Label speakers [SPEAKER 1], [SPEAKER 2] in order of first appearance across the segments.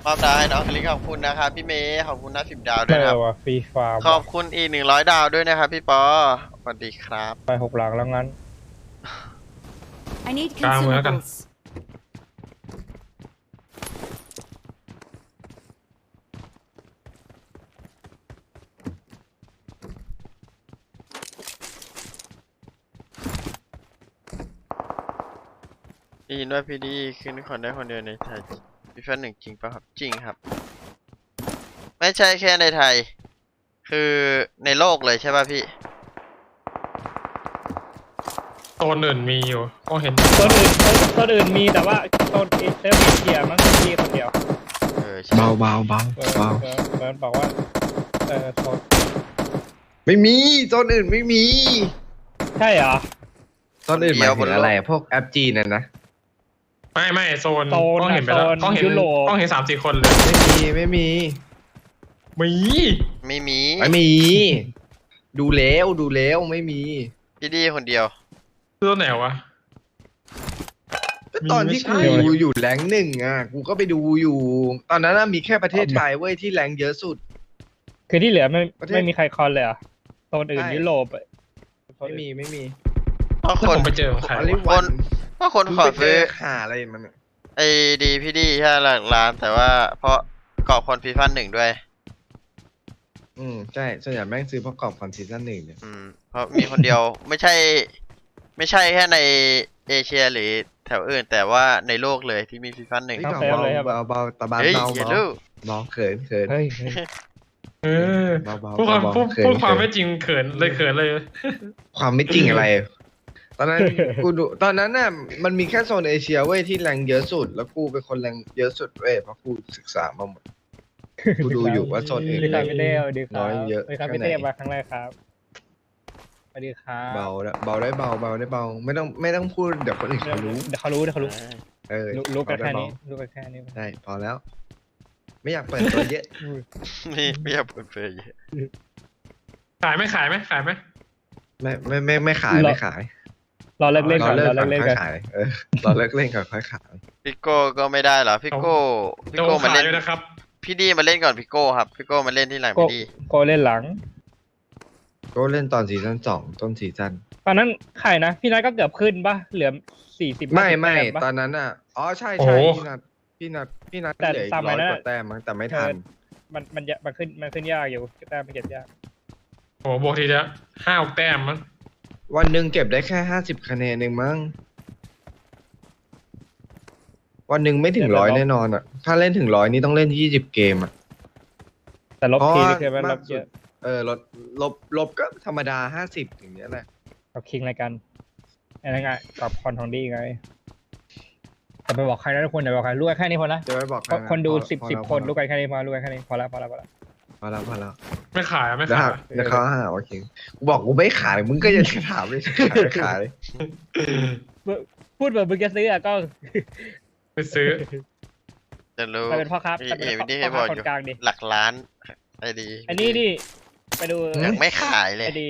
[SPEAKER 1] มอบดาวให้น้องคลิกขอบคุณนะครับพี่เมย์ขอบคุณนะ10 ดาวด้
[SPEAKER 2] เจ
[SPEAKER 1] วยนะค
[SPEAKER 2] อ
[SPEAKER 1] รับ
[SPEAKER 2] ว่ะฟรีฟาร์ม
[SPEAKER 1] ขอบคุณอีก100 ดาวด้วยนะครับพี่ปอสวัสดีครับ
[SPEAKER 2] ไป6 หลังแล้วงั้น
[SPEAKER 3] I need
[SPEAKER 4] กลางเมืองแล้วกัน
[SPEAKER 3] consumables.
[SPEAKER 1] ได้ยินว่าพี่ดีขึ้นคนได้คนเดียวในไทยพี่แฟน1จริงป่ะครับจริงครับ ไม่ใช่แค่ในไทย คือในโลกเลยใช่ป่ะพี่
[SPEAKER 4] โซนอื่นมีอยู่ก็เห็น
[SPEAKER 2] ต้นอื่นมีแต่ว่าต้นเซลฟ์เกียร์มันก็มีคนเดียว
[SPEAKER 1] ใช่
[SPEAKER 5] เบาเบาเบา
[SPEAKER 2] เออ
[SPEAKER 5] เบา
[SPEAKER 2] มันบอกว่าโซน
[SPEAKER 5] ไม่มีโซนอื่นไม่มี
[SPEAKER 2] ใช่เหรอ
[SPEAKER 5] โซนอื่นหมายถึงอะไรพวกแอปจีนน่ะนะ
[SPEAKER 4] ไม่โซน
[SPEAKER 2] โซน
[SPEAKER 4] ก็เห็นไปแล้ว
[SPEAKER 2] โซน
[SPEAKER 4] ก็เห็น
[SPEAKER 2] ยุโรป
[SPEAKER 4] ก็เห็น3-4 คนเลย
[SPEAKER 5] ไม่มี
[SPEAKER 4] มี
[SPEAKER 1] ไม่มี
[SPEAKER 5] ไม่มี ดูแล้วไม่มี
[SPEAKER 1] พี่ดีคนเดียว
[SPEAKER 4] ตัวไหนวะ
[SPEAKER 5] ก็ตอนที่
[SPEAKER 4] ไม่ใช่
[SPEAKER 5] กูอยู่แรงค์ 1อ่ะกูก็ไปดูอยู่ ตอนนั้นน่ะมีแค่ประเทศไทยเว้ยที่แรงค์เยอะสุด
[SPEAKER 2] คือที่เหลือไม่
[SPEAKER 5] ประเทศ
[SPEAKER 2] ไม่มีใครคอนเลยเหรอ่ะโซนอื่น
[SPEAKER 5] ใช่
[SPEAKER 2] ยุโรป
[SPEAKER 5] ไม่มี
[SPEAKER 1] เพราะ
[SPEAKER 4] แล้ว
[SPEAKER 1] คน
[SPEAKER 4] ผมไปเจอของใคร
[SPEAKER 5] อลิ
[SPEAKER 4] วะ
[SPEAKER 5] วัน
[SPEAKER 1] เพราะคนขอซื้อ
[SPEAKER 5] หาอะไรมันอะ
[SPEAKER 1] ไอ้ดีพี่ดีแค่หลักล้านแต่ว่าเพราะเกาะคนฟีฟัน1ด้วย
[SPEAKER 5] ใช่ส่วนใหญ่แม่งซื้อประกอบคอนซีซั่น1เนี่ย
[SPEAKER 1] เพราะมีคนเดียว ไม่ใช่แค่ในเอเชียหรือแถวอื่น แต่ว่าในโลกเลยที่มีฟีฟัน1
[SPEAKER 5] เฮ้ยเบาตะบาน
[SPEAKER 1] เฮ้ย
[SPEAKER 5] เบา
[SPEAKER 1] อย่า
[SPEAKER 5] เบา
[SPEAKER 1] ดู
[SPEAKER 5] เบาเขิน
[SPEAKER 2] เฮ้ย
[SPEAKER 4] เออ
[SPEAKER 5] เบา
[SPEAKER 4] พูดความ
[SPEAKER 5] เบา
[SPEAKER 4] พูดความ
[SPEAKER 5] เขิ
[SPEAKER 4] ไม่
[SPEAKER 5] น
[SPEAKER 4] จริงเขินเลย
[SPEAKER 5] ความไม่จริงอะไร ตอนนั้น กูดูตอนนั้นน่ะมันมีแค่โซนเอเชียเว้ยที่แรงเยอะสุด แล้วกูเป็นคนแรงเยอะสุดเว้ยเพราะกูศึกษามาหมด กูดูอยู่ว่าโซนอื่น
[SPEAKER 2] ดีครับพี่เต้ดีครับ
[SPEAKER 5] น้อยเยอะ
[SPEAKER 2] ดีครับ
[SPEAKER 5] แค่
[SPEAKER 2] พี่
[SPEAKER 5] ไหน
[SPEAKER 2] เต้มาครั้งแรกครับสวัสดีครับ
[SPEAKER 5] เบาได้เบาได้เบาได้เบาไม่ต้องพูดเดี๋ยวคนอื่นเขารู้
[SPEAKER 2] เดี๋ยวเขารู้รู้กัน
[SPEAKER 5] เบาได้
[SPEAKER 2] แค่
[SPEAKER 5] เบา
[SPEAKER 2] นี้รู้กันแค่นี้
[SPEAKER 5] ได้พอแล้ว ไม่อยากเปิดตัวเยอะ
[SPEAKER 1] ไม่อยากเปิดเผยเยอะ
[SPEAKER 4] ขายไหม
[SPEAKER 5] ไม่ขายไม่ขาย
[SPEAKER 2] รอเลิกเล่นก่อน
[SPEAKER 5] เลิก
[SPEAKER 2] รอ
[SPEAKER 5] ก่
[SPEAKER 2] เลิ
[SPEAKER 5] อน
[SPEAKER 2] กเล่น
[SPEAKER 5] ค่อ
[SPEAKER 2] ก่อน
[SPEAKER 5] ยขายรอเลิกเล่นก่อนค่อยขาย
[SPEAKER 1] พี่โก้ก็ไม่ได้เหรอพี่โก้
[SPEAKER 4] โดน
[SPEAKER 1] มา
[SPEAKER 4] ขาย
[SPEAKER 1] เล่น
[SPEAKER 4] ด้วยนะครับ
[SPEAKER 1] พี่ดีมาเล่นก่อนพี่โก้ครับพี่โก้มาเล่นที่หลัง
[SPEAKER 2] โก
[SPEAKER 1] พี่ดี
[SPEAKER 2] โกเล่นหลัง
[SPEAKER 5] ก็เล่นตอนซีซั่น2ต้นซีซั่น
[SPEAKER 2] ตอนนั้นใครนะพี่นัทก็เกือบขึ้นป่ะเหลือ40
[SPEAKER 5] ไม่
[SPEAKER 2] แต้ปะ
[SPEAKER 5] ตอนนั้นอ่ะอ๋อใช่
[SPEAKER 4] โอ้
[SPEAKER 5] ใช่
[SPEAKER 4] โห
[SPEAKER 5] พี่นัท
[SPEAKER 2] แต่
[SPEAKER 5] เหลืออีก
[SPEAKER 2] ตาม
[SPEAKER 5] ร้
[SPEAKER 2] มา
[SPEAKER 5] อย
[SPEAKER 2] นะ
[SPEAKER 5] กว่าแต้มมั้งแต่ไม่ทัน
[SPEAKER 2] มันขึ้นยากอยู่แต้มมันเก็บยาก
[SPEAKER 4] โอ้โหบวกทีเดียว5-6 แต้มมั้ง
[SPEAKER 5] วันหนึ่งเก็บได้แค่50 คะแนนเองมั้งวันหนึ่งไม่ถึง100แน่นอนอ่ะ ถ้าเล่นถึง100นี่ต้องเล่น20 เกมอ่ะ
[SPEAKER 2] แต่ลบ
[SPEAKER 5] เพราะ
[SPEAKER 2] ที
[SPEAKER 5] ว่า
[SPEAKER 2] นี่คือมันล
[SPEAKER 5] มาก
[SPEAKER 2] บ
[SPEAKER 5] สุ
[SPEAKER 2] เย
[SPEAKER 5] ด
[SPEAKER 2] อะ
[SPEAKER 5] ลบก็ธรรมดา50อย่างเงี้ยแหละ
[SPEAKER 2] กับคิงอะไรกันอะไรไงกับคอนทองดีไงแต่ไปบอกใครนะทุกคนอย่าบอกใครรู้กันแค่นี้พอละ
[SPEAKER 5] จะไม่บอกใครนะ
[SPEAKER 2] คนดู
[SPEAKER 5] พอ
[SPEAKER 2] 10
[SPEAKER 5] พอ
[SPEAKER 2] คนรู้กันแค่นี้พอรู้กันแค่นี้พอละ
[SPEAKER 5] พอแล้ว
[SPEAKER 4] ไม่ขายอะไม่
[SPEAKER 5] แล้ว
[SPEAKER 4] ขาย
[SPEAKER 5] เดี๋ยวเขาหาว่าคิงกูบอกกูไม่ขายมึงก็ยังจะถามเลยขาย
[SPEAKER 2] พูดแบบมึงจะซื้ออะก็
[SPEAKER 4] ไปซื้อ
[SPEAKER 1] จะรู้
[SPEAKER 2] ไปเป็นพ่อค้า
[SPEAKER 1] พี่
[SPEAKER 2] ไปเป็น
[SPEAKER 1] พี่ดี
[SPEAKER 2] พ่
[SPEAKER 1] ให้
[SPEAKER 2] อบ ค้า
[SPEAKER 1] อก
[SPEAKER 2] ค
[SPEAKER 1] อน ยู่
[SPEAKER 2] กลางดิ
[SPEAKER 1] หลักล้านไอ้ดี
[SPEAKER 2] อันนี้ดิไปดู
[SPEAKER 1] ยังไม่ขายเลย
[SPEAKER 2] ไอดี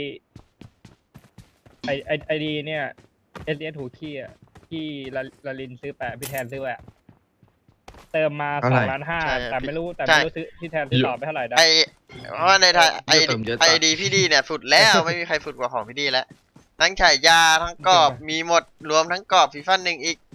[SPEAKER 2] ไอดีเนี่ยเอสถูกขี้อ่ะที่ลาลินซื้อแปะพี่แทนซื้อแปะเติมมา2.5 แต่ไม่รู้ซื้อที่แทนซื้อต่อไปเท่าไหร่ได้
[SPEAKER 1] ไอเพราะว่าในไทยไอ
[SPEAKER 5] เติมเยอะ
[SPEAKER 1] ไอ
[SPEAKER 5] จัด
[SPEAKER 1] ดีพี่ดีเนี่ยสุดแล้วไม่มีใครสุดกว่าของพี่ดีแล้วทั้งฉายาทั้งกรอบมีหมดรวมทั้งกรอบฟีฟัน1อีก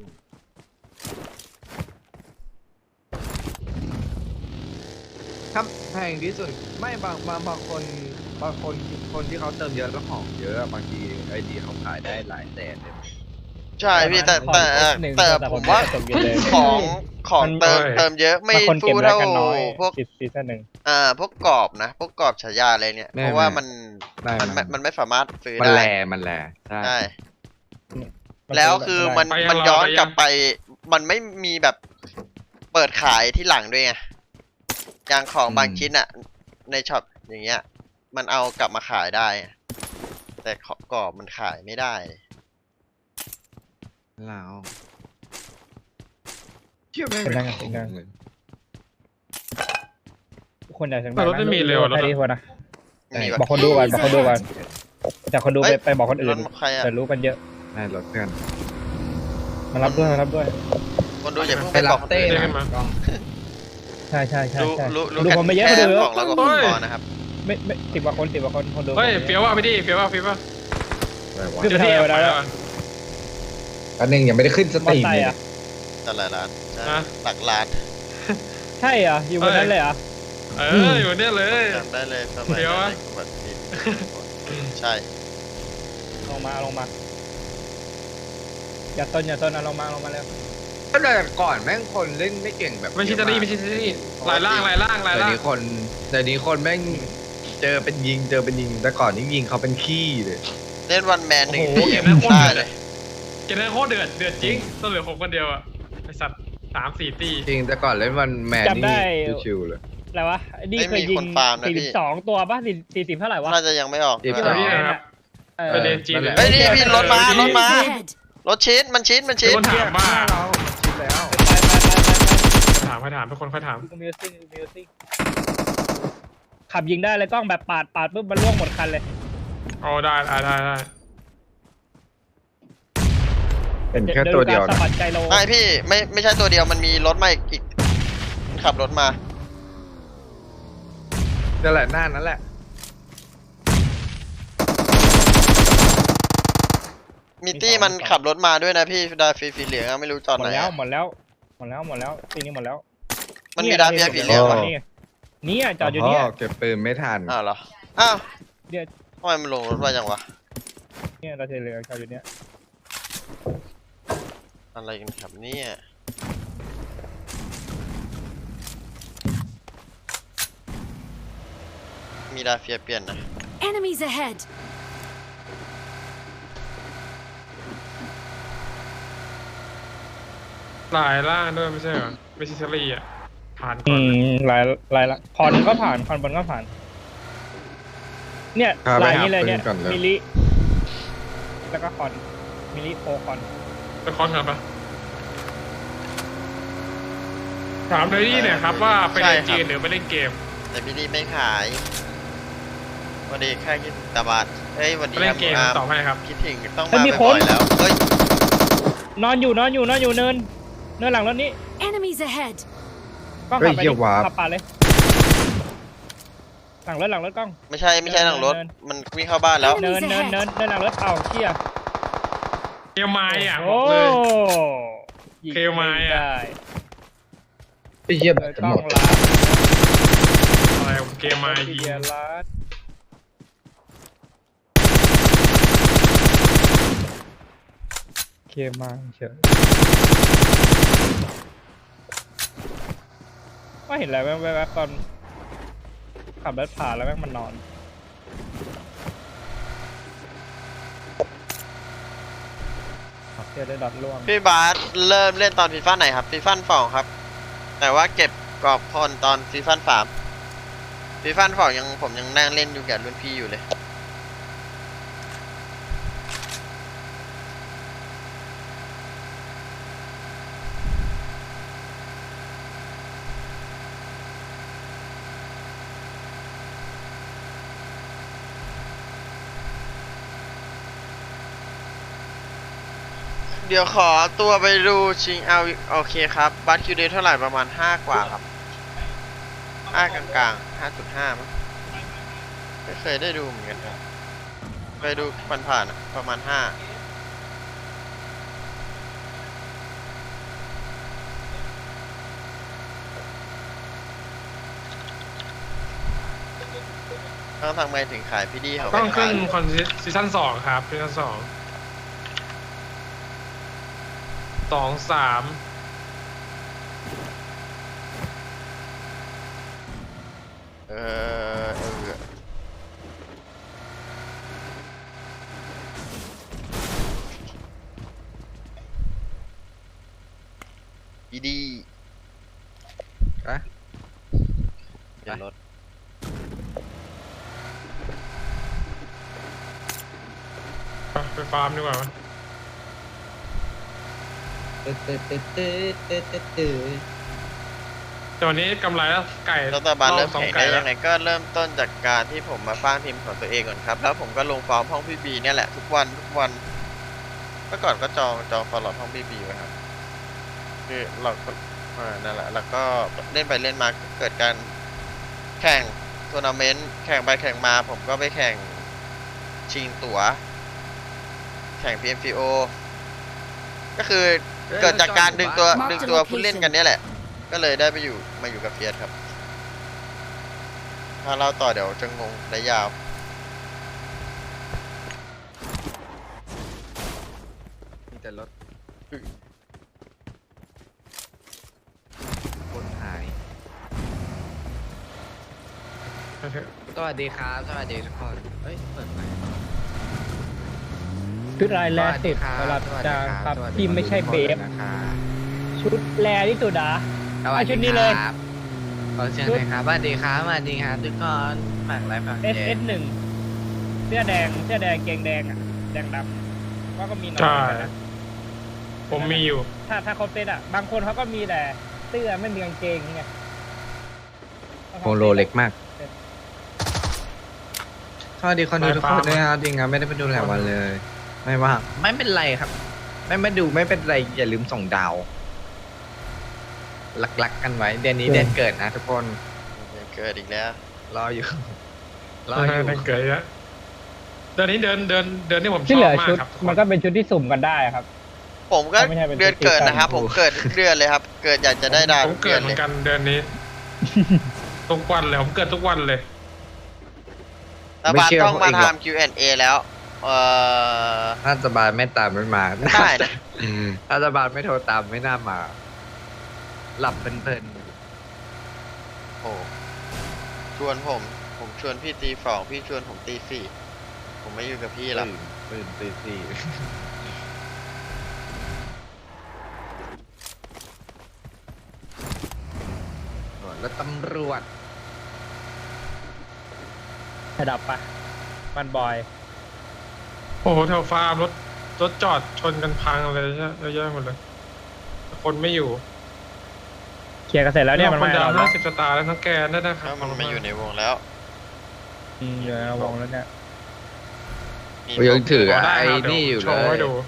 [SPEAKER 5] ครับแพงที่สุดไม่บางคนที่เขาเติมเยอะแล้วของเยอะบางทีไอดีเขาขายได้หลายแสนเลย
[SPEAKER 1] ใช่พี่แต่ผมว่า
[SPEAKER 2] ตกเย็นเลย
[SPEAKER 1] ของเติมเยอะไม่
[SPEAKER 2] บางคนเก็บ
[SPEAKER 1] สู้
[SPEAKER 2] ได้
[SPEAKER 1] เท่า
[SPEAKER 2] กันน้อย
[SPEAKER 1] พวก
[SPEAKER 2] ซีซั่นหนึ่ง
[SPEAKER 1] พวกกรอบนะพวกกรอบฉายาอะไรเนี่ยเพราะว่ามันไม่สามารถซื้อ
[SPEAKER 5] มัน
[SPEAKER 1] ได้
[SPEAKER 5] มันแลใช่
[SPEAKER 1] ใช่แล้วคือมันย้อนกลับไปมันไม่มีแบบเปิดขายที่หลังด้วยไงอย่างของบางชิ้นอะในช็อปอย่างเงี้ย มันเอากลับมาขายได้ แต่ของกรอบมันขายไม่ได้
[SPEAKER 5] แล้วเชื่อแม่ง
[SPEAKER 2] ทุกคนอยากถึง
[SPEAKER 4] แต่รถไม่มีเร็วแล้ว
[SPEAKER 2] แค่
[SPEAKER 4] นะ
[SPEAKER 2] นี้พอนะ
[SPEAKER 1] มี
[SPEAKER 2] บอกคนดูก่อนแต่คนดูไปบอกคนอื่น
[SPEAKER 1] รถใครอะ
[SPEAKER 2] จะรู้กันเยอะ
[SPEAKER 5] ได้รถเพื่อน
[SPEAKER 2] มารับด้วย
[SPEAKER 1] คนดูอย่าเพิ่ง
[SPEAKER 5] ไป
[SPEAKER 1] ไป
[SPEAKER 5] รั
[SPEAKER 1] บอก
[SPEAKER 5] บ
[SPEAKER 1] คน
[SPEAKER 5] เต้
[SPEAKER 1] อื่น
[SPEAKER 4] ได้
[SPEAKER 5] นะ
[SPEAKER 4] ขึ้นมา
[SPEAKER 2] ใช่ใช่ใช่
[SPEAKER 1] รู้
[SPEAKER 2] ใช่
[SPEAKER 1] รู้
[SPEAKER 2] ดู
[SPEAKER 1] กัน
[SPEAKER 2] คนไม่เยอะ
[SPEAKER 1] แค่
[SPEAKER 2] คนดูเย
[SPEAKER 1] ข
[SPEAKER 2] อะ
[SPEAKER 1] องเรากับคุณปอนะครับ
[SPEAKER 2] ไม่10 กว่าคนคนดู
[SPEAKER 4] เฮ้ย
[SPEAKER 2] คน
[SPEAKER 4] เฟี้ยวว่ะพี่ดิเฟี้ยวว่ะเฟี้ยวว่ะ
[SPEAKER 5] อะไรวะ
[SPEAKER 2] ขึ้น
[SPEAKER 4] เจ
[SPEAKER 2] ไป
[SPEAKER 4] อ
[SPEAKER 2] ทำ
[SPEAKER 4] ที่
[SPEAKER 2] อะไร
[SPEAKER 4] แอบ
[SPEAKER 2] มา
[SPEAKER 4] ไป
[SPEAKER 2] ได้
[SPEAKER 4] แล้ว
[SPEAKER 2] แล้ว
[SPEAKER 4] อะ
[SPEAKER 5] อันนึงยังไม่ได้ขึ้นส
[SPEAKER 2] ม
[SPEAKER 5] ต
[SPEAKER 2] อ
[SPEAKER 5] รีม
[SPEAKER 2] ไซ
[SPEAKER 5] เลย
[SPEAKER 2] ค์
[SPEAKER 5] เนี่ย
[SPEAKER 2] อ่ะ
[SPEAKER 1] แต่ละร้านใช่
[SPEAKER 4] นะ
[SPEAKER 1] หลักล้าน
[SPEAKER 2] ใช่เหรออยู่บนนั้นเลยเหรอ
[SPEAKER 4] อยู่เนี่ยเลย
[SPEAKER 1] จำได้เลยสมัย
[SPEAKER 4] เดี๋ยว
[SPEAKER 1] นั้น
[SPEAKER 4] อะ
[SPEAKER 1] ในขบวนทีใช่
[SPEAKER 2] ลงมาอย่าต้นเอาลงมาเร็ว
[SPEAKER 5] ก็แต่ก่อนแม่งคนเล่นไม่เก่งแบบ
[SPEAKER 4] ไม่ใช่ตาลีไม่ใช่ตาลีลายล่าง
[SPEAKER 5] เดี๋ยวนี้คนแม่งเจอเป็นยิงแต่ก่อนนี่ยิงเขาเป็นขี้เลย
[SPEAKER 1] เล่นวันแมนหนึ่ง
[SPEAKER 4] โอ้โห
[SPEAKER 1] ที
[SPEAKER 4] เกมนั้นโคตร
[SPEAKER 1] ได้
[SPEAKER 4] เดือด
[SPEAKER 1] เลย
[SPEAKER 4] เกมนั้นโคตรเดือดจริงต้องเหลือผมคนเดียวอ่ะไอสัตว์3-4 ตี
[SPEAKER 5] จริงแต่ก่อนเล่นวันแมน
[SPEAKER 2] จำได้
[SPEAKER 5] นี่ชิวๆเลย
[SPEAKER 2] อะไรวะนี่เคยยิง42 ตัวป่ะ40เท่าไหร่วะ
[SPEAKER 1] น่าจะยังไม่ออก
[SPEAKER 5] อีก
[SPEAKER 1] ใช่
[SPEAKER 5] ส
[SPEAKER 1] ไหม
[SPEAKER 5] อง
[SPEAKER 4] นี่นะครับ ไปเรียนจีนเลย
[SPEAKER 1] เฮ้ยนี่พี่รถมารถมา
[SPEAKER 3] Enemies ahead.
[SPEAKER 1] รถชีสมันชีส
[SPEAKER 4] มีคนถามว่า
[SPEAKER 5] ชิดแล้ว
[SPEAKER 2] ไป
[SPEAKER 4] ถามทุกคนค่อยถาม
[SPEAKER 2] มิวสิกขับยิงได้เลยกล้องแบบปาดปุ๊บมันล่วงหมดคันเลย
[SPEAKER 4] โอ้ได้
[SPEAKER 5] เป็นแค่ตัวเดียว
[SPEAKER 2] สะ
[SPEAKER 5] นะ
[SPEAKER 2] บัดไกโล
[SPEAKER 1] ไม่พี่ไม่ใช่ตัวเดียวมันมีรถมาอีกมันขับรถมา
[SPEAKER 5] นั่นแหละหน้านั่นแหละ
[SPEAKER 1] มีตี้มันขับรถมาด้วยนะพี่ดาฟีเหลืองอะไม่รู้จอด
[SPEAKER 2] หม
[SPEAKER 1] ไห
[SPEAKER 2] ด
[SPEAKER 1] น
[SPEAKER 2] แล้ว
[SPEAKER 1] อะ
[SPEAKER 2] หมดแล้วทีนี้หมดแล้ว
[SPEAKER 1] มันมีดาฟีสีเหลืองวะ
[SPEAKER 2] นี่จอดอยู่เนี่ย
[SPEAKER 5] เก็บปืนไม่ทัน
[SPEAKER 1] อ้าวเหรออ้าว
[SPEAKER 2] เดี๋ยว
[SPEAKER 1] ทำไมมันลงรถไวจังวะ
[SPEAKER 2] เนี่ยเราเหลือจอดอยู่เนี่ย
[SPEAKER 1] อะไรกันครับเนี่ยมีดาเฟียเปลี่ยนนะ
[SPEAKER 3] Enemies ahead.
[SPEAKER 4] ลายล่างด้วยไม่ใช่เหรอไม่ใช่ตาลีอ่ะผ่านก่อน
[SPEAKER 2] ลายละคอนก็ผ่านคอนบนก็ผ่าน เนี่ย
[SPEAKER 5] พาไป
[SPEAKER 2] ลาย
[SPEAKER 5] หา
[SPEAKER 2] นี้เลย
[SPEAKER 5] ปื
[SPEAKER 2] เนี่ย
[SPEAKER 5] นก่อนเลย
[SPEAKER 2] มิลิแล้วก็คอนมิลิโคคอน
[SPEAKER 4] ไปคอนครับปะถามเลยนี่เนี่ยครับว่าไปเล่นจีนหรือไปเล่นเกม
[SPEAKER 1] แต่พี่ดีไม่ขายวันดีแค่คิดตาบาดเฮ้ยวัน
[SPEAKER 4] ไป
[SPEAKER 1] ดี
[SPEAKER 4] เล่นเกม
[SPEAKER 1] อาร์ม
[SPEAKER 4] ตอบให้ครับ
[SPEAKER 1] คิดถึงต้องมาบ่อยๆแล้วเฮ้ย
[SPEAKER 2] นอนอยู่เนินหลังรถนี้
[SPEAKER 3] Enemies ahead.
[SPEAKER 2] กล้อง
[SPEAKER 5] เฮ้
[SPEAKER 2] ขั
[SPEAKER 5] ย
[SPEAKER 2] บไป
[SPEAKER 5] เหี้ยว้าบ
[SPEAKER 2] ขับปาดเลย หลังรถกล้อง
[SPEAKER 1] ไม่ใช่หลังรถมันวิ่งเข้าบ้านแล้ว
[SPEAKER 2] เนินหลังรถเอาเชี่ย
[SPEAKER 4] เกมไม้อ่ะบ
[SPEAKER 2] โอ้
[SPEAKER 4] อกเลย
[SPEAKER 2] ยิง
[SPEAKER 4] เคลไมล์อะ
[SPEAKER 2] ได้
[SPEAKER 5] ไอ้เหี้ย
[SPEAKER 2] เล
[SPEAKER 5] แบ
[SPEAKER 2] ย
[SPEAKER 5] ตจะ
[SPEAKER 2] กล้
[SPEAKER 5] ห
[SPEAKER 2] อ
[SPEAKER 5] ม
[SPEAKER 2] ง
[SPEAKER 5] ด
[SPEAKER 2] ล้าน
[SPEAKER 4] อะไรเกมไม้ยิง
[SPEAKER 2] เกียร์ล้านเคมาเฉยว่าเห็นอะไรแวบๆตอนขับรถผ่านแล้วแม่งมันนอนเดี๋ยวได้ดอทล่วง
[SPEAKER 1] พี่บาสเริ่มเล่นตอนฟีฟ่าไหนครับฟีฟ่า2ครับ แต่ว่าเก็บกรอบพลตอนฟีฟ่า3ฟีฟ่า2ผมยังนั่งเล่นอยู่กับรุ่นพี่อยู่เลยเดี๋ยวขอตัวไปดูชิงเอาโอเคครับบัตคิวเดย์เท่าไหร่ประมาณ5กว่าครับ5กลางๆ5.5มั้งไม่เคยได้ดูเหมือนกันครับเคยดูผ่านๆอะประมาณ5ต้องทำไงถึงขายพี่ดีเขา
[SPEAKER 4] ต้อง
[SPEAKER 1] ไม่
[SPEAKER 4] ขึ้
[SPEAKER 1] ขาน ย
[SPEAKER 4] คอนซีซั่น2ครับซีซั่น2 2-3
[SPEAKER 1] เออพี่ดี
[SPEAKER 5] ไป
[SPEAKER 1] เดี๋ยวรถ
[SPEAKER 4] ไปฟาร์มดีกว่าไหมแต่วันนี้กำไรแล้วไก่
[SPEAKER 1] รัฐบาลเริ่ม
[SPEAKER 4] สอง
[SPEAKER 1] แข่ง
[SPEAKER 4] ไก่
[SPEAKER 1] ได้
[SPEAKER 4] แล้
[SPEAKER 1] ยั
[SPEAKER 4] ว
[SPEAKER 1] งไงก็เริ่มต้นจากการที่ผมมาสร้างทีมของตัวเองก่อนครับ แล้วผมก็ลงฟอร์มห้องพี่บีเนี่ยแหละทุกวันเมื่อก่อนก็จองฟอร์มห้องพี่บีไว้ครับคือเรานั่นแหละแล้วก็เล่นไปเล่นมาเกิดการแข่งทัวร์นาเมนต์แข่งไปแข่งมาผมก็ไปแข่งชิงตั๋วแข่ง PMCO ก็คือเกิดจากการดึงตัวผู้เล่นกันเนี่ยแหละ ก็เลยได้มาอยู่กับเฟียสครับ ถ้าเล่าต่อเดี๋ยวจะงงได้ยาว
[SPEAKER 5] มีแต่รถคนหายสวัสดีครับสวัสดีทุกคนเอ้ยเปิดไหม
[SPEAKER 2] ชุดลายแรกสิบสำหรับจางครับที่ไม่ใช่เบฟชุดแรที่สุดอ่ะ เอาชุดนี้เลย
[SPEAKER 5] ขอเชิญเลยครับสวัสดีครับสวัสดีครับทุกคนฝากไลฟ์ฝากแชร์
[SPEAKER 2] SS1 เสื้อแดงเกงแดงอ่ะแดงดำก็มีน้อย
[SPEAKER 4] ใช่
[SPEAKER 2] เหมือนกันนะ
[SPEAKER 4] ผมมีอยู่
[SPEAKER 2] ถ้าเขาเซตอ่ะบางคนเขาก็มีแต่เสื้อไม่มีกางเกงไง
[SPEAKER 5] โปโลเล็กมากสวัสดีคนดูทุกคนด้วยครับจริงครับไม่ได้ไปดูหลายวันเลย ไม่ว่างไม่เป็นไรครับ ไม่ดูไม่เป็นไรอย่าลืมส่งดาวหลักๆกันไว้เดือนนี้เดือนเกิดนะทุกคน
[SPEAKER 1] เกิดอีกแล้ว
[SPEAKER 5] รออยู่
[SPEAKER 4] นั่นเกิดแล้วเดือนนี้เดือนที่ผมช
[SPEAKER 2] ที่
[SPEAKER 4] อ
[SPEAKER 2] เหลื
[SPEAKER 4] บ
[SPEAKER 2] อ
[SPEAKER 4] มาก
[SPEAKER 2] ชุด
[SPEAKER 4] ครับทุกค
[SPEAKER 2] มัน
[SPEAKER 4] น
[SPEAKER 2] ก็เป็นชุดที่สุ่มกันได้ครับ
[SPEAKER 1] ผมก็
[SPEAKER 2] ไม่ใช่เป็น
[SPEAKER 1] เดือนเกิดนะครับ
[SPEAKER 2] ซีซั่น
[SPEAKER 1] ผมเกิดทุกเดือนเลยครับ เกิดอยากจะได้ดาว
[SPEAKER 4] ผม
[SPEAKER 1] ทุก
[SPEAKER 4] เกิ
[SPEAKER 1] เดือ
[SPEAKER 4] ด
[SPEAKER 1] น
[SPEAKER 4] เหมื
[SPEAKER 1] เล
[SPEAKER 4] อย นกันเดือนนี้ทุกวันเลยผมเกิดทุกวันเลย
[SPEAKER 1] รัฐบาลต้องมาทำ Q&A แล้ว
[SPEAKER 5] รัฐบาลไม่ตามไม่มา
[SPEAKER 1] ได้นะ
[SPEAKER 5] รัฐบาลไม่โทรตามไม่น่ามา หลับเพลิน
[SPEAKER 1] โอ้ชวนผมชวนพี่ตีสองพี่ชวนผมตีสี่ผมไม่อยู่กับพี่
[SPEAKER 5] ๆ
[SPEAKER 1] หรอก
[SPEAKER 5] ตื่นตีสี่แล้วตำรวจ
[SPEAKER 2] ระดับปะมันบอย
[SPEAKER 4] โอ้โหแถวฟาร์มรถจอดชนกันพังเลยใช่เยอะแยะหมดเลยคนไม่อยู่
[SPEAKER 2] เคลียร์กันเสร็จแล้วเนี่ยมัน
[SPEAKER 4] คน
[SPEAKER 2] มา
[SPEAKER 4] ดาว
[SPEAKER 2] เรา
[SPEAKER 4] 50 สตาร์แล้วทั้งแกนได้นะครั
[SPEAKER 1] ถ้า
[SPEAKER 4] บ
[SPEAKER 1] มันมาอยู่ในวงแล้ว
[SPEAKER 2] อยู่ในวงแล้วเนี่ย
[SPEAKER 1] มี
[SPEAKER 5] กูยังถือ
[SPEAKER 4] ได้
[SPEAKER 5] ไอ้
[SPEAKER 4] ครับ
[SPEAKER 5] นี่อยู่
[SPEAKER 4] โช
[SPEAKER 5] เล
[SPEAKER 4] ว์ให้
[SPEAKER 5] ย
[SPEAKER 4] ดู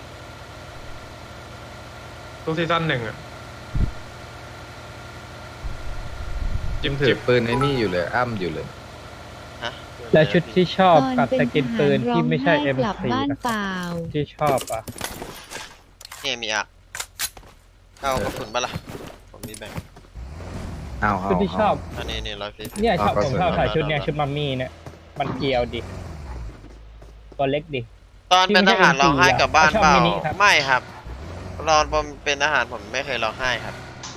[SPEAKER 4] ทุกซีซั่น1อ่ะ
[SPEAKER 5] จิมถือปืนไอ้นี่อยู่เลยอ้ำอยู่เลย
[SPEAKER 1] ฮะ
[SPEAKER 2] และชุดที่ชอบ
[SPEAKER 6] ตอน
[SPEAKER 2] กับ
[SPEAKER 6] เป็น
[SPEAKER 2] สกินปืนที่ไม่ใช่
[SPEAKER 6] ทหารร้องไห้กลับ
[SPEAKER 2] M4
[SPEAKER 6] บ้าน
[SPEAKER 2] นะ
[SPEAKER 6] เปล่า
[SPEAKER 2] ที่ชอบอ่ะ
[SPEAKER 1] เนี่ยมีอ่ะเอากระสุนมาละผมมีแบ่ง
[SPEAKER 5] เอา
[SPEAKER 2] ชุดที่ชอบ
[SPEAKER 1] อันนี้นี่140
[SPEAKER 2] เนี่ยชอบ
[SPEAKER 5] เอา
[SPEAKER 2] ผม
[SPEAKER 5] กระสุน
[SPEAKER 2] ชอบใส่
[SPEAKER 1] เอา
[SPEAKER 2] ชุดเนี่ย
[SPEAKER 1] เอา
[SPEAKER 2] ชุดมัมมี่เนี่ยมันเกลียวดิตัวเล็กดิ
[SPEAKER 1] ตอนเป็นทหารร้องไห้กลับบ้านเปล่า
[SPEAKER 2] ชอบมินิครับ
[SPEAKER 1] ไม่ครับตอนผมเป็นทหารผมไม่เคยร้องไห้ครับ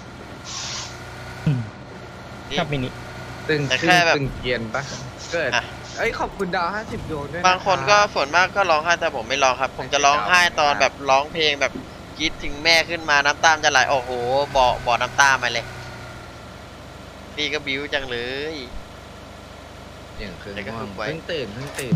[SPEAKER 2] ชอบมินิ
[SPEAKER 5] ตึง
[SPEAKER 1] แต่
[SPEAKER 5] ตึ
[SPEAKER 1] แค่
[SPEAKER 5] ง
[SPEAKER 1] แบบ
[SPEAKER 5] ตึงเกรียนปะเกิด
[SPEAKER 1] อ่ะ
[SPEAKER 5] เอ้ยขอบคุณดาว50ดวงด้วยะ
[SPEAKER 1] บางคนก็ส่วนมากก็ร้องไห้แต่ผมไม่ร้องครับ ผมจะร้องไห้ตอนแบบร้องเพลงแบบกรีดถึงแม่ขึ้นมาน้ำตาจะไหลโอ้โหบ่อน้ำตามาเลยพี่ก็บิ้วจังเลย
[SPEAKER 5] อย่างคือ
[SPEAKER 1] แต่ก็
[SPEAKER 5] ง่ว
[SPEAKER 1] ฝึ
[SPEAKER 5] ง
[SPEAKER 1] กไว้
[SPEAKER 5] เพิ่งตื่น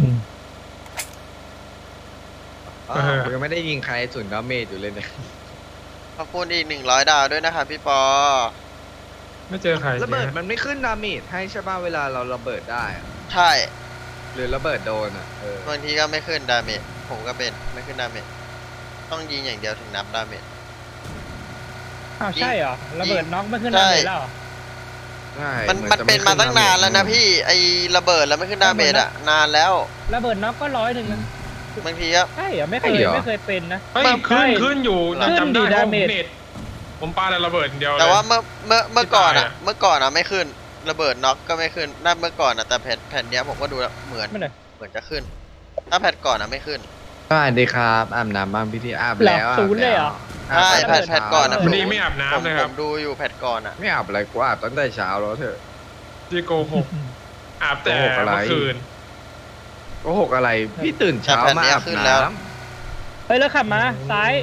[SPEAKER 5] อ๋อผมยังไม่ได้ยิงใครศูนย์ดาเมจอยู่เลยเนี่ย
[SPEAKER 1] ขอบคุณอีก100 ดาวด้วยนะครับพี่ปอ
[SPEAKER 4] ไม่เจอใคร
[SPEAKER 5] ระเบิด
[SPEAKER 4] เนี่ย
[SPEAKER 5] มันไม่ขึ้นดาเมจให้ใช่ป่ะเวลาเราระเบิดได้อะ
[SPEAKER 1] ใช่
[SPEAKER 5] หรือระเบิดโดนอ่ะเออบ
[SPEAKER 1] างทีก็ไม่ขึ้นดาเมจผมก็เป็นไม่ขึ้นดาเมจต้องยิงอย่างเดียวถึงนับดาเมจ
[SPEAKER 2] อ้าวใช่เหรอระเบิดน็อกไม่ขึ้น
[SPEAKER 1] ใช่
[SPEAKER 2] ดาเมจแล้วเหรอ
[SPEAKER 5] ใช่
[SPEAKER 1] มัน
[SPEAKER 5] หอจะ
[SPEAKER 1] เป็นมาตั้งนานแล้วนะ
[SPEAKER 5] ขึ้
[SPEAKER 1] พี่ไอ้ระเบิดแล้วไม่ขึ้นดาเมจอะนานแล้ว
[SPEAKER 2] ระเบิดน็อกก็100นะ
[SPEAKER 1] บางทีก็
[SPEAKER 2] ใช่เหรอไม่เคยไม่เคยเป็นนะ
[SPEAKER 4] เฮ้ย
[SPEAKER 2] ใช่
[SPEAKER 4] ขึ้นอยู่
[SPEAKER 2] ขึ้น
[SPEAKER 4] จำได้
[SPEAKER 2] ดิ
[SPEAKER 4] ว่า
[SPEAKER 2] ดา
[SPEAKER 4] ผม
[SPEAKER 2] เมจ
[SPEAKER 4] เน็ตผมปาแต่ระเบิดอย่างเดียวเลย
[SPEAKER 1] แต่ว่าเมื่อก่อนอะ
[SPEAKER 4] ที่ตายอะ
[SPEAKER 1] เมื่อก่อนอะไม่ขึ้นระเบิดน็อกก็ไม่ขึ้นนั่นเมื่อก่อนอะแต่แผ่นเนี้ยผมก็ดูแล้วเหมือน
[SPEAKER 2] ไม่เลย
[SPEAKER 1] เหมือนจะขึ้น ถ้าแผ่นก่อนอะไม่ขึ้น
[SPEAKER 5] สวัสดีครับอาบน้ำบ้างพี่ที่อาบ
[SPEAKER 2] หลับ
[SPEAKER 5] แล้ว
[SPEAKER 2] ศูนย์เลยเหรอ
[SPEAKER 1] ใช่แผ่นก่อนอะ
[SPEAKER 4] วันนี้ไม่อาบน้ำเลยค
[SPEAKER 1] ผ
[SPEAKER 4] รับ
[SPEAKER 1] มดูอยู่แผ่นก่อนอะ
[SPEAKER 5] ไม่อาบอะไรกูอาบตั้งแต่เช้าแล้วเถอะ
[SPEAKER 4] ที่โกหกอาบแต่
[SPEAKER 5] โกหกอะไร
[SPEAKER 4] เมื่อคืน
[SPEAKER 5] โกหกอะไรพี่ตื่นเช้ามาอาบน้ำ
[SPEAKER 2] เฮ้ยแล้วขับมาซ้าย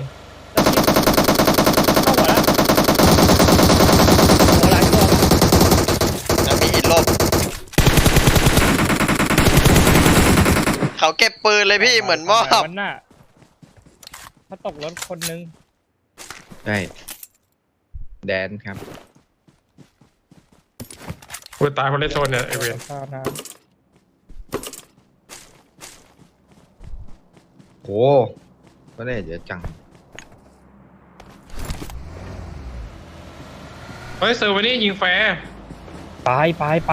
[SPEAKER 2] เข้าหัวแล้วหัวหลังตัว
[SPEAKER 1] แล้วมีหินลบเขาเก็บปืนเลยพี่เหมือนมอบ
[SPEAKER 2] มันน่ะเขาตกรถคนนึง
[SPEAKER 5] ใช่แดนครับ
[SPEAKER 4] กูตายคนเล่นโซนเนี่ยไอเวน
[SPEAKER 2] ข้าวน้
[SPEAKER 5] โหก็ได้เดี๋ยวจัง
[SPEAKER 4] เฮ้ยเซอร์วันนี้ยิงแฟร์
[SPEAKER 2] ไป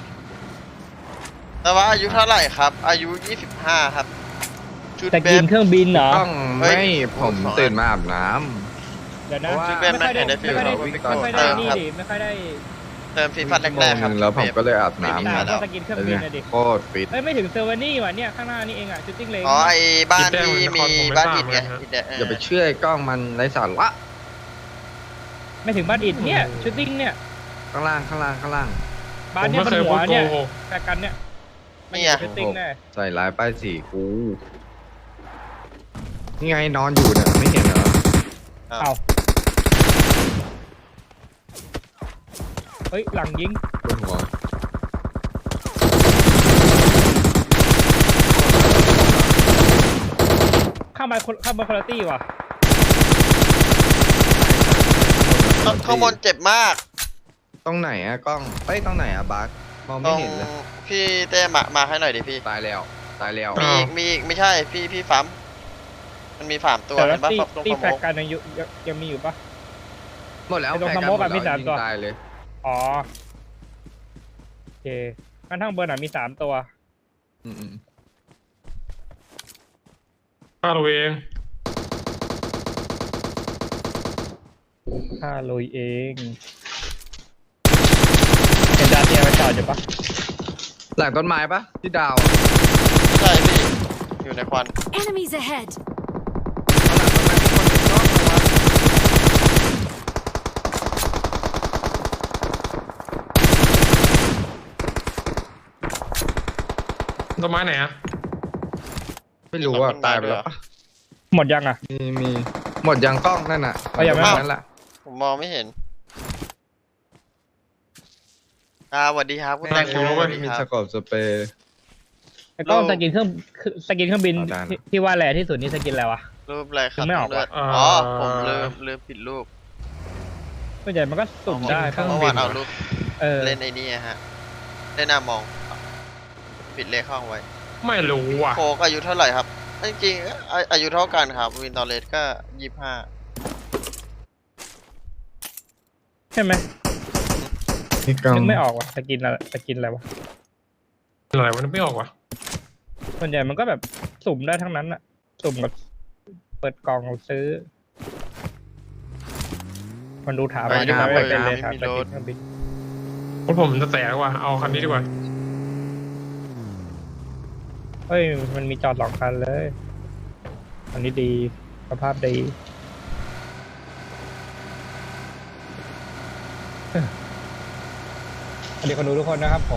[SPEAKER 1] แต่ว่าอายุเท่าไหร่ครับ อายุ 25 ครับ ชุด
[SPEAKER 2] จะ
[SPEAKER 1] เบ
[SPEAKER 2] กิน
[SPEAKER 1] ฟ
[SPEAKER 2] เครื่องบินเหรอ
[SPEAKER 5] ต้อง
[SPEAKER 1] เฮ้ย
[SPEAKER 5] ไม่ผมตื่นมาอาบน้
[SPEAKER 2] เดี๋ยวนะ
[SPEAKER 5] เพราะว่า
[SPEAKER 1] ชุดเบฟไม่เห็นได้ฟิล
[SPEAKER 2] ไม่ค่อยได้
[SPEAKER 5] วิ่ง
[SPEAKER 2] ไม่
[SPEAKER 5] ตอน
[SPEAKER 2] ค่อย
[SPEAKER 5] เช้า
[SPEAKER 2] ได้นี่ดิไม่ค่อยได้
[SPEAKER 1] เติมฟีฟัน
[SPEAKER 5] ำ
[SPEAKER 1] แรกๆครับ
[SPEAKER 5] แล้วผมก็เลยอาบ
[SPEAKER 1] ไม่มี
[SPEAKER 5] น้ำ
[SPEAKER 1] มา
[SPEAKER 2] ก็
[SPEAKER 1] แล้ว
[SPEAKER 2] สกินเครื่องบินนะดิ
[SPEAKER 5] โคตรฟิต
[SPEAKER 2] เอ้ยไม่ถึงเซอร์วานี่ว่ะเนี่ยข้างหน้านี่เองอ่ะชูตติ้งเลน
[SPEAKER 1] อ๋อไอ้บ้านที่มีบ้านอิฐไงอิฐแดง
[SPEAKER 5] อย่าไปเชื่อไอ้กล้องมันไร้สาระ
[SPEAKER 2] ไม่ถึงบ้านอิดเนี่ยชูตติ้งเนี่ย
[SPEAKER 5] ข้างล่าง
[SPEAKER 2] บ้าน
[SPEAKER 4] ผม
[SPEAKER 2] เนี่ย
[SPEAKER 4] ไม่
[SPEAKER 2] มัน
[SPEAKER 4] เคย
[SPEAKER 2] หั
[SPEAKER 4] พู
[SPEAKER 2] ว
[SPEAKER 4] ดโก
[SPEAKER 2] เนี่ย
[SPEAKER 4] หก
[SPEAKER 2] แต่กันเนี่ยไม่
[SPEAKER 1] เนี่ย
[SPEAKER 2] ชูตติ้งแน่
[SPEAKER 5] ใส่ร้ายป้ายสีกูนี่ไงนอนอยู่เนี่ยไม่เห็นเหรอ
[SPEAKER 2] เอาเฮ้ยหลังยิง
[SPEAKER 5] บนหัว
[SPEAKER 2] ข้ามไปคนละตี้ว่ะ
[SPEAKER 1] ข้างบนเจ็บมาก
[SPEAKER 5] ตรงไหนอะกล้องเอ้ยตรงไหนอะบาสมอง
[SPEAKER 1] ต
[SPEAKER 5] ไม่
[SPEAKER 1] รง
[SPEAKER 5] เห็นเลย
[SPEAKER 1] พี่เต้มาให้หน่อยดิพี่
[SPEAKER 5] ตายแล้ว
[SPEAKER 1] มีอีกไม่ใช่พี่ฟัมมันมี3ตัว
[SPEAKER 2] แต่
[SPEAKER 1] เห็
[SPEAKER 2] ละ
[SPEAKER 1] นปะ
[SPEAKER 2] ตี้
[SPEAKER 1] ตรง
[SPEAKER 2] ตี้
[SPEAKER 1] ส
[SPEAKER 2] แฟ
[SPEAKER 1] โม
[SPEAKER 2] ก
[SPEAKER 1] ก
[SPEAKER 2] กันยังมีอยู่ปะ
[SPEAKER 5] หมดแล้ว
[SPEAKER 2] ไอ้ตรง
[SPEAKER 5] แพ้
[SPEAKER 2] สโมกอะ
[SPEAKER 5] หด
[SPEAKER 2] มี
[SPEAKER 5] แล้ว
[SPEAKER 2] 3ตัว
[SPEAKER 5] ยิงตายเลย
[SPEAKER 2] อ๋อโอเคข้างทางบนอ่ะมี3ตัว
[SPEAKER 5] อืม
[SPEAKER 4] ฆ่าตัวเอง
[SPEAKER 2] ข้าลุยเองเห็นดาเตียไปจอดอยู่ปะ
[SPEAKER 5] หลังต้นไม้ปะที่ดาว
[SPEAKER 1] ใช่พี่อยู่ในควัน
[SPEAKER 3] Enemies ahead!
[SPEAKER 5] หลังต้นไม้มีคนเป็นกล้องเหรอวะ
[SPEAKER 4] ต้นไม้ไหนอะ
[SPEAKER 5] ไม่รู้อ่ะตายไปแล้วปะ
[SPEAKER 2] หมดยังอ่ะ
[SPEAKER 5] มีหมดยังกล้องนั่นน่ะ
[SPEAKER 2] เอายังไม่
[SPEAKER 5] นั่นแหละ
[SPEAKER 1] ผมมองไม่เห็นสวัสดีครับคุณ
[SPEAKER 5] แม่
[SPEAKER 1] แต
[SPEAKER 5] ง
[SPEAKER 1] งโมสวัสดี
[SPEAKER 5] มี
[SPEAKER 1] ค
[SPEAKER 5] ส
[SPEAKER 1] รับ
[SPEAKER 5] กอบสเปรย์
[SPEAKER 2] ไอ้กล้องสกินเครื่องบิน
[SPEAKER 5] เอาได้นะ
[SPEAKER 2] ที่ว่าแรงที่สุดนี่สกินอะไรวะ
[SPEAKER 1] รูปอะไรครับ
[SPEAKER 2] ไม่ออก
[SPEAKER 1] เลือด
[SPEAKER 2] ว่ะ
[SPEAKER 1] อ๋อผมลืมปิดรูป
[SPEAKER 2] ส่วนใหญ่มันก็สุ่มได้
[SPEAKER 5] เครื่อง
[SPEAKER 1] เมื่อ
[SPEAKER 5] บิ
[SPEAKER 1] วาน นเอารูป
[SPEAKER 2] เออ
[SPEAKER 1] เล่นไอ้นี่ฮะเล่นหน้ามอง ปิดเลขห้องไว้
[SPEAKER 4] ไม่รู้ว่ะ
[SPEAKER 1] โคกอายุเท่าไหร่ครับ จริงๆอายุเท่ากันครับ วินตอเลสก็ 25
[SPEAKER 2] ใช่ไหม
[SPEAKER 5] นี่กล้อง
[SPEAKER 2] นึกไม่ออกว่ะสกินอะไรวะ
[SPEAKER 4] อะไรวะนึกไม่ออกว่ะ
[SPEAKER 2] ส่วนใหญ่มันก็แบบสุ่มได้ทั้งนั้นอะสุ่มกับเปิดกล่องซื้อ มันดูถาม
[SPEAKER 1] ไป
[SPEAKER 2] มา
[SPEAKER 1] ดู
[SPEAKER 2] ถาม
[SPEAKER 1] ไป
[SPEAKER 2] ไปเลย
[SPEAKER 1] ไม่
[SPEAKER 2] ถาม
[SPEAKER 1] มี
[SPEAKER 2] ส
[SPEAKER 1] ร
[SPEAKER 2] กิ
[SPEAKER 1] ถ
[SPEAKER 2] นเครื่องบิน
[SPEAKER 4] ผมจะแตกว่ะเอาคันนี้ดีกว่า
[SPEAKER 2] เฮ้ยมันมีจอด2 คันเลยอันนี้ดีสภาพดีสวัสดีคนดูทุกคนนะครับผม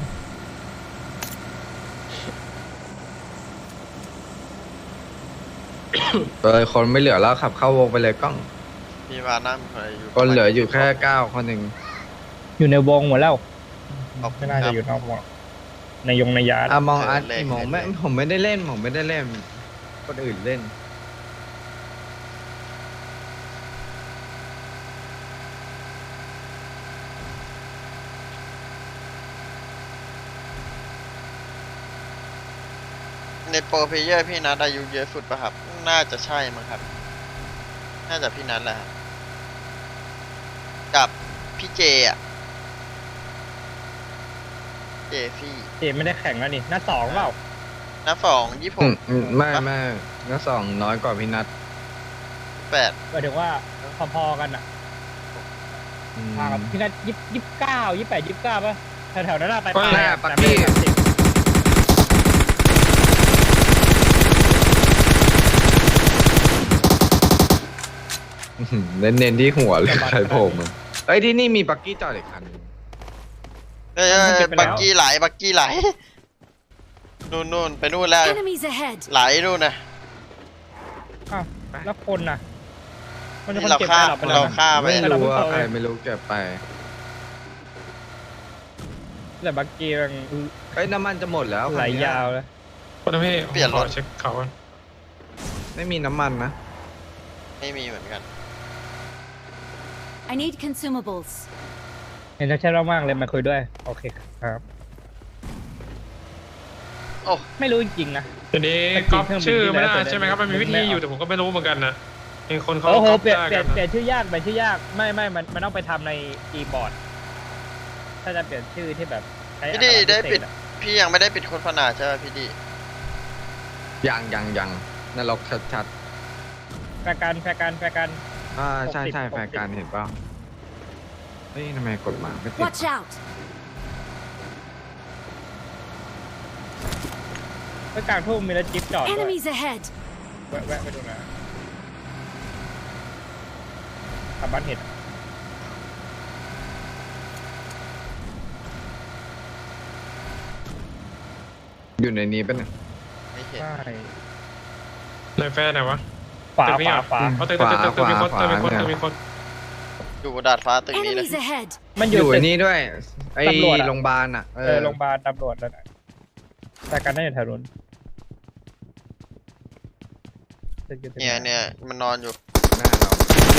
[SPEAKER 5] เลยคนไม่เหลือแล้วขับเข้าวงไปเลยกล้อง
[SPEAKER 1] มีวานั่งอะไรอยู่
[SPEAKER 5] คนเหลืออยู่แค่9 คนหนึ่ง
[SPEAKER 2] อยู่ในวงหมดแล้ว
[SPEAKER 1] ขอบคุ
[SPEAKER 2] ไม่
[SPEAKER 1] ณ
[SPEAKER 2] น่า
[SPEAKER 1] ครั
[SPEAKER 2] จะ
[SPEAKER 1] บ
[SPEAKER 2] อยู่นอกวงในยาร์ด
[SPEAKER 5] มองอาร์ต
[SPEAKER 1] เล่น
[SPEAKER 5] มองไม่
[SPEAKER 1] เล่น
[SPEAKER 5] ผมไม่ได้เล่นคนอื่นเล่น
[SPEAKER 1] ในโปรเพลเยอร์พี่นัทอายุเยอะสุดป่ะครับ น่าจะใช่มั้งครับ น่าจะพี่นัทแหละครับกับพี่เจอ่ะ เจฟี่
[SPEAKER 2] เจไม่ได้แข่งแล้วนี่หน้า2เปล่า
[SPEAKER 1] นับ26
[SPEAKER 5] ไม่นักสองน้อยกว่าพี่นัท
[SPEAKER 1] 8
[SPEAKER 2] หมายถึงว่าพอๆกันอ่ะห่างกับพี่นัท29 ป่ะแถวๆนั้นอะไป
[SPEAKER 5] แน่ปัก
[SPEAKER 2] แต่ไม่
[SPEAKER 5] กี้
[SPEAKER 2] ได้30
[SPEAKER 5] เน้นที่หัวเลยใครโผล่มาเอ้ยที่นี่มีปักกี้จอดอีกคัน
[SPEAKER 1] เอ้ยบักกี้ไหลนู่นไปนู่นแล้ว
[SPEAKER 3] Enemies ahead!
[SPEAKER 1] ไหลนู่นนะ
[SPEAKER 2] อ้าวแล้วคนน่ะ มันจะ
[SPEAKER 1] นี่
[SPEAKER 2] คน
[SPEAKER 1] เรา
[SPEAKER 2] เก็บ
[SPEAKER 1] ฆ่า
[SPEAKER 2] ไปหลับไปแล้ว
[SPEAKER 1] เรา
[SPEAKER 2] นะ
[SPEAKER 1] ฆ่าไป
[SPEAKER 5] ไม่รู้ว่า
[SPEAKER 2] แต่เราเพิ่ง
[SPEAKER 5] ใคร
[SPEAKER 2] เข้า
[SPEAKER 5] ไม่รู้เก็บไป
[SPEAKER 2] แต่บักกี้มัน
[SPEAKER 5] เอ้ยน้ำมันจะหมดแล้ว
[SPEAKER 2] ไหลยาวเลย
[SPEAKER 4] คนทำให้ขอเช็คเขาก่อน
[SPEAKER 5] ไม่มีน้ำมันนะ
[SPEAKER 1] ไม่มีเหมือนกัน
[SPEAKER 3] I need consumables.
[SPEAKER 2] เห็นชัดเจนมากๆเลยมาคุยด้วย โอเคครับ
[SPEAKER 1] โอ้
[SPEAKER 2] ไม่รู้จริงๆนะ
[SPEAKER 4] ทีนี้
[SPEAKER 2] ไปกิน
[SPEAKER 4] ก๊อป
[SPEAKER 2] เครื่องบิน
[SPEAKER 4] ชื่อไม่ได้
[SPEAKER 2] ที่แล้ว
[SPEAKER 4] ใช่ไหมครับมันมีวิธีอยู่แต่ผมก็ไม่รู้เหมือนกันนะมีคนเขา
[SPEAKER 2] โอ้โห
[SPEAKER 4] ก๊อป
[SPEAKER 2] เปลี่ยน
[SPEAKER 4] ได้
[SPEAKER 2] เปลี่
[SPEAKER 4] กั
[SPEAKER 2] ยน
[SPEAKER 4] น
[SPEAKER 2] เปลี่ยนชื่อยากเปลี่ยนชื่อยากไม่มันต้องไปทำในคีย์บอร์ดถ้าจะเปลี่ยนชื่อที่แบบใช้
[SPEAKER 1] พี่ดีได้
[SPEAKER 2] อักขระพิ
[SPEAKER 1] ปิด
[SPEAKER 2] เศษอะ
[SPEAKER 1] พี่ยังไม่ได้ปิดโฆษณาใช่ไหมพี่ดี
[SPEAKER 5] ยังนรกชัด
[SPEAKER 2] แฟร์กัน
[SPEAKER 5] ๆใช่
[SPEAKER 2] 60
[SPEAKER 5] แฟนการเห็นเปล่าเฮ้ยทำไมกดมาไม่ติด
[SPEAKER 3] Watch out!
[SPEAKER 2] ไปกลางทุ่งมีรถจิ๊บจอดด้วย
[SPEAKER 3] Enemies ahead!
[SPEAKER 2] แวะไปดูนะขับบ้านเห็ด
[SPEAKER 5] อยู่ในนี้ปะเนี่ย
[SPEAKER 1] ไม่เห็น
[SPEAKER 2] ใช่
[SPEAKER 4] ในแฟนไหนวะ
[SPEAKER 2] ขวา
[SPEAKER 4] ตึกนี้เหรอ
[SPEAKER 2] ขวา
[SPEAKER 4] เขาตึกมีคนตึกมีคน
[SPEAKER 1] อยู่บนดาดฟ้าตึกนี้เลย
[SPEAKER 3] Enemies ahead!
[SPEAKER 2] มันอ
[SPEAKER 5] อยู่ ยู่
[SPEAKER 2] ตึ
[SPEAKER 5] ไอ้
[SPEAKER 2] ก
[SPEAKER 5] นี่ด้วย ไอ้
[SPEAKER 2] ตำรวจอะ
[SPEAKER 5] โรงพยาบาลอ่ะ
[SPEAKER 2] โรงพยาบาลตำรวจแล้วนะแต่กันได้อยู่แถวนู้นตึกอยู่ตึก
[SPEAKER 1] เนี่ยมันนอนอยู่
[SPEAKER 5] หน้าเรา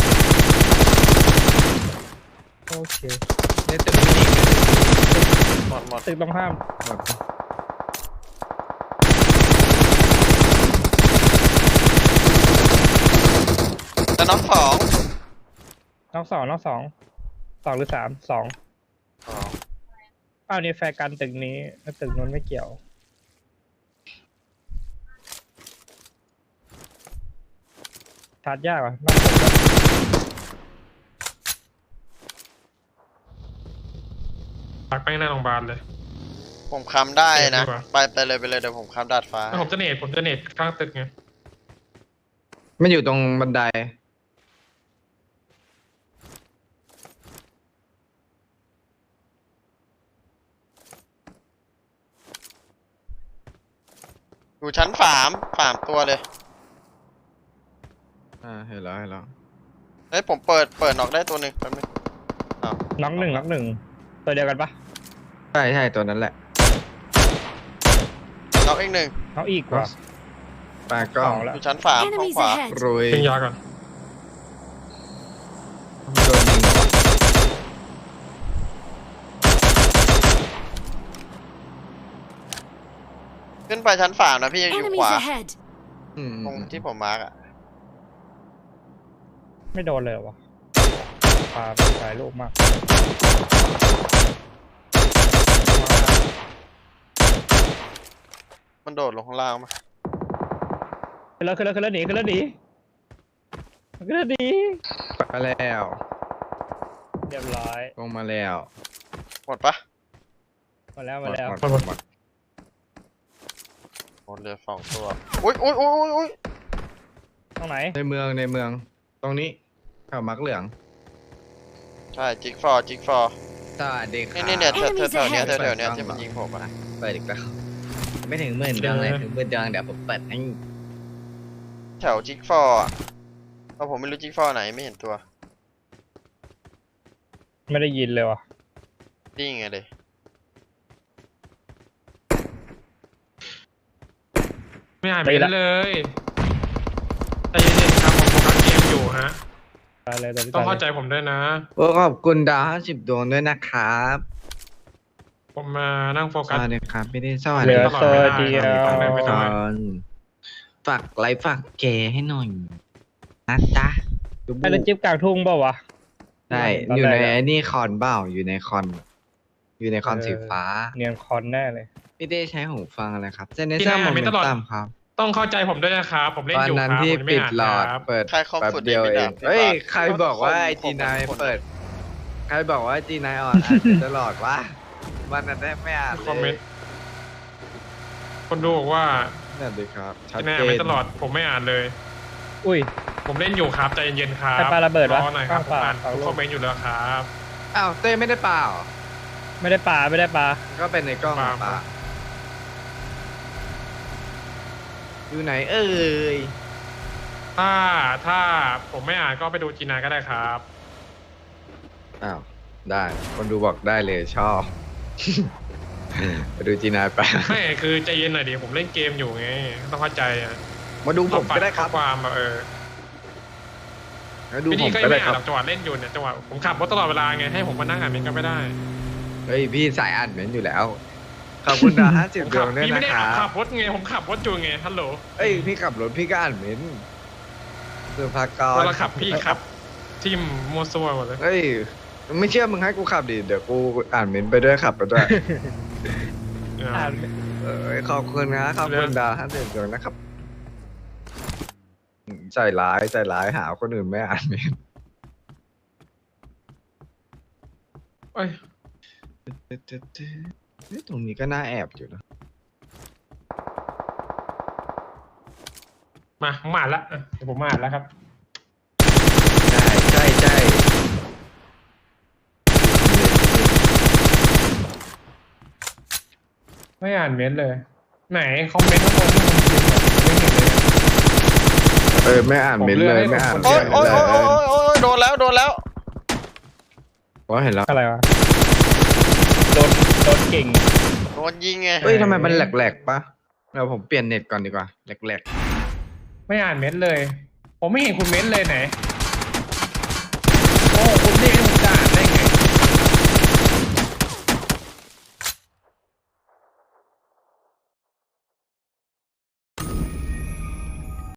[SPEAKER 2] โอเค
[SPEAKER 5] ในตึกนี้
[SPEAKER 1] หมด
[SPEAKER 2] ตึกตรงข้าม
[SPEAKER 5] หมด
[SPEAKER 1] จะน็อกสอง
[SPEAKER 2] น้องสองหรือสามสองอ้าวนี่แฟร์กันตึกนี้แล้วตึกนู้นไม่เกี่ยวชาร์จยากว่ะน่าสนใจ
[SPEAKER 4] ปักไปในโรงพยาบาลเลย
[SPEAKER 1] ผมค้ำได้นะ
[SPEAKER 4] เดี๋ยวดีกว่า
[SPEAKER 1] ไปเลยเดี๋ยวผมค้ำดาดฟ้า
[SPEAKER 4] ผมจะเนตข้างตึกไง
[SPEAKER 5] มันอยู่ตรงบันได
[SPEAKER 1] อยู่ชั้นสามตัวเลย
[SPEAKER 5] เห็นแล้ว
[SPEAKER 1] เฮ้ยผมเปิดน็อกได้ตัวหนึ่งแป๊บนึง
[SPEAKER 2] น็อกหนึ่งตัวเดียวกันปะ
[SPEAKER 5] ใช่ตัวนั้นแหละ
[SPEAKER 1] น็อกอีกหนึ่ง
[SPEAKER 2] เอาอีกว่ะ
[SPEAKER 5] ปากกล้
[SPEAKER 2] ส
[SPEAKER 5] อ
[SPEAKER 2] อง งแล้ว
[SPEAKER 1] อยู่ชั้นสามห้อง
[SPEAKER 3] Enemies
[SPEAKER 1] ขวา
[SPEAKER 3] ahead!
[SPEAKER 5] รุย
[SPEAKER 4] ยิงยาก่อน
[SPEAKER 5] โดนยิง
[SPEAKER 1] ขึ้นไปชั้นสามนะพี่ยังอยู่ข
[SPEAKER 3] Enemies
[SPEAKER 1] วา
[SPEAKER 3] ahead!
[SPEAKER 1] ตรงที่ผมมาร์กอะ
[SPEAKER 2] ไม่โดนเลยเหรอวะปาถ่ายรูปมาก
[SPEAKER 1] มันโดดลงข้างล่างมา
[SPEAKER 2] ขึ้นแล้วหนีไป
[SPEAKER 5] แล้ว
[SPEAKER 2] เรียบร้อย
[SPEAKER 5] ลงมาแล้ว
[SPEAKER 1] หมดปะ
[SPEAKER 2] มาแล้ว
[SPEAKER 5] หมดหมด
[SPEAKER 1] หมดเหลือสองตัวอุ้ย
[SPEAKER 2] ตรงไหน
[SPEAKER 5] ในเมือง ตรงนี้แถวมักเหลือง
[SPEAKER 1] ใช่จิ๊กฟอร์
[SPEAKER 5] สวัสดีครับ
[SPEAKER 1] นี่เนี่ยแถว
[SPEAKER 3] Enemies
[SPEAKER 1] เนี้ย
[SPEAKER 3] ahead
[SPEAKER 1] แถวเนี้ยที่มันยิงผมอะ
[SPEAKER 5] เปิดอีกแล้ว ไม่ถึงหมื่นดวงเลยถึงหมื่นดวงเดี๋ยวผมเปิดให้
[SPEAKER 1] แถวจิ๊กฟอร์อะเพราะผมไม่รู้จิ๊กฟอร์ไหนไม่เห็นตัว
[SPEAKER 2] ไม่ได้ยินเลยว่ะ
[SPEAKER 1] นี่ไงเลย
[SPEAKER 4] ไม่หายไปเลยใจเย็นๆครับผมโฟกัสเกมอยู่ฮะ
[SPEAKER 2] ตายเลยตอนนี้
[SPEAKER 4] ต้องเข้า
[SPEAKER 2] ตาย
[SPEAKER 4] ใจ
[SPEAKER 2] เลย
[SPEAKER 4] ผมด้วยนะ
[SPEAKER 5] โอ้ขอบคุณดาว50 ดวงด้วยนะครับ
[SPEAKER 4] ผมมานั่งโฟ
[SPEAKER 5] ส
[SPEAKER 4] กัส
[SPEAKER 5] วัสดีครับพี่ได้สวัส
[SPEAKER 2] เหลื
[SPEAKER 5] ดี
[SPEAKER 2] อ
[SPEAKER 5] ค
[SPEAKER 2] โซ
[SPEAKER 5] รับ
[SPEAKER 2] เดียว
[SPEAKER 4] ไม่ได้
[SPEAKER 5] ฝากไลค์ฝากแกให้หน่อยนะจ๊ะดู
[SPEAKER 2] ไอ้รถจิ๊บกลางทุ่งเปล่าวะ
[SPEAKER 5] ใช่
[SPEAKER 2] ตอนแรก
[SPEAKER 5] อยู่ใน
[SPEAKER 2] อะ
[SPEAKER 5] ไอ้นี่คอนเปล่าอยู่ในคอน อยู่ในคอนสีฟ้า
[SPEAKER 2] เนียนคอนแน่เลย
[SPEAKER 5] พี่ได้ใช้หูฟังอะไรครับเซนเนเซอร์โมเมนตัมครับ
[SPEAKER 4] ต้องเข้าใจผมด้วยนะครับผมเล่น
[SPEAKER 5] ตอน
[SPEAKER 4] อยู่
[SPEAKER 5] นั้น
[SPEAKER 4] ครับ
[SPEAKER 5] ที่
[SPEAKER 4] ผมไม่
[SPEAKER 5] ปิด
[SPEAKER 4] อ่าน
[SPEAKER 5] หลอด
[SPEAKER 4] ครับ
[SPEAKER 5] เปิด
[SPEAKER 1] ใครคอม
[SPEAKER 5] แป๊บ
[SPEAKER 1] ฟุต
[SPEAKER 5] เดียว
[SPEAKER 1] ไม่
[SPEAKER 5] เอ
[SPEAKER 1] ได้
[SPEAKER 5] ง
[SPEAKER 1] พี่
[SPEAKER 5] เฮ้ย
[SPEAKER 1] บาส
[SPEAKER 5] ใครบอกว่าไอ
[SPEAKER 1] ผม
[SPEAKER 5] จีนาย
[SPEAKER 1] ผม
[SPEAKER 5] เปิด ใครบอกว่าจีนายอ่อนอ่านตลอดวะวันนั้นแทบไม่อ่าน
[SPEAKER 4] คอมเม
[SPEAKER 5] เล
[SPEAKER 4] น
[SPEAKER 5] ย
[SPEAKER 4] ต์คนดูบอกว่า
[SPEAKER 5] นั่นดีครับชัด
[SPEAKER 4] ที่แน่
[SPEAKER 5] เจน
[SPEAKER 4] ไม่ตลอดผมไม่อ่านเลย
[SPEAKER 2] อุ้ย
[SPEAKER 4] ผมเล่นอยู่ครับใจเย็นๆครับ
[SPEAKER 2] ใครปาระเบิดวะ
[SPEAKER 4] รอหน่อยครับผม
[SPEAKER 2] ปา
[SPEAKER 4] อ่าน
[SPEAKER 2] ปา
[SPEAKER 4] ทุกคอมเมนต์อยู่แล้วครับ
[SPEAKER 5] อ้าวเต้ไม่ได้เปล่า
[SPEAKER 2] ไม่ได้ปลา
[SPEAKER 5] ก็เป็นในกล้อง
[SPEAKER 4] เปล่า
[SPEAKER 5] ป่าอยู่ไหนเอ่ย
[SPEAKER 4] ถ้าผมไม่อ่านก็ไปดูจีนาก็ได้ครับ
[SPEAKER 5] อ้าวได้ คนดูบอกได้เลยชอบ ไปดูจีนายไป
[SPEAKER 4] ไม่คือใจเย็นหน่อยดิผมเล่นเกมอยู่ไงต้องเข้าใจอ่ะ
[SPEAKER 5] มาดูผมก็ได้ครับ
[SPEAKER 4] ข้อความแบบ
[SPEAKER 5] มาดู
[SPEAKER 4] พี่
[SPEAKER 5] ผ
[SPEAKER 4] นี่
[SPEAKER 5] ม
[SPEAKER 4] ก็
[SPEAKER 5] ก็
[SPEAKER 4] ไม่
[SPEAKER 5] ได้ค
[SPEAKER 4] อ่าน
[SPEAKER 5] รับ
[SPEAKER 4] หรอกจังหวะเล่นอยู่เนี่ยจังหวะผมขับรถตลอดเวลาไงให้ผมมานั่งอ่านเมนต์ก็ไม่ได้
[SPEAKER 5] เฮ้ยพี่สายอ่านเมนต์อยู่แล้ว ขอบคุณดาว
[SPEAKER 4] ผม
[SPEAKER 5] 50 ด
[SPEAKER 4] ขั
[SPEAKER 5] วงด้วย
[SPEAKER 4] พี่
[SPEAKER 5] นะ
[SPEAKER 4] ไม่ได้
[SPEAKER 5] ครั
[SPEAKER 4] ขั
[SPEAKER 5] บบ
[SPEAKER 4] รถไงผมขับรถอยู่ไงฮัลโหล
[SPEAKER 5] เอ้ยพี่ขับรถพี่ก็อ่านเมนต์คือพักก่อน
[SPEAKER 4] เวลาขับพี่ขับทิมมัวซัวหมดเลย
[SPEAKER 5] เฮ้ยไม่เชื่อมึงให้กูขับดิเดี๋ยวกูอ่านเมนต์ไปด้วยขับไปด้วย
[SPEAKER 2] อ่าน
[SPEAKER 5] ขอบคุณนะขอบคุณดาวท่านเดียวนะครับ ใจร้ายหาคนอื่นไม่อ่านเมนต์
[SPEAKER 4] เอ้ย
[SPEAKER 5] ตรงนี้ก็น่าแอบอยู่นะ
[SPEAKER 4] ผมอ่านละเดี๋ยวผมอ่านแล้วครับ
[SPEAKER 5] ใช่
[SPEAKER 4] ไม่อ่านเม้นต์เลย ไหนคอมเมนต์ข้างบนที่ผมพิมพ์ไม่เห็นเลย
[SPEAKER 5] ไม่อ่านเมนต์เลยไม่อ่าน
[SPEAKER 1] โอ๊ย
[SPEAKER 5] เม
[SPEAKER 1] โอ๊
[SPEAKER 5] น
[SPEAKER 1] ย
[SPEAKER 5] ต์
[SPEAKER 1] โอ๊ย
[SPEAKER 5] เล
[SPEAKER 1] โอ๊ยโอ๊ยโดนแล้วโดนแล้ว
[SPEAKER 5] ก็เห็นแล้ว
[SPEAKER 2] อะไรวะโดนเก่ง
[SPEAKER 1] โดนยิงไง
[SPEAKER 5] เฮ้ยทำไมมันแหลกๆปะเดี๋ยวผมเปลี่ยนเน็ตก่อนดีกว่าแหลก
[SPEAKER 4] ไม่อ่านเม้นต์เลย ผมไม่เห็นคุณเม้นต์เลยไหน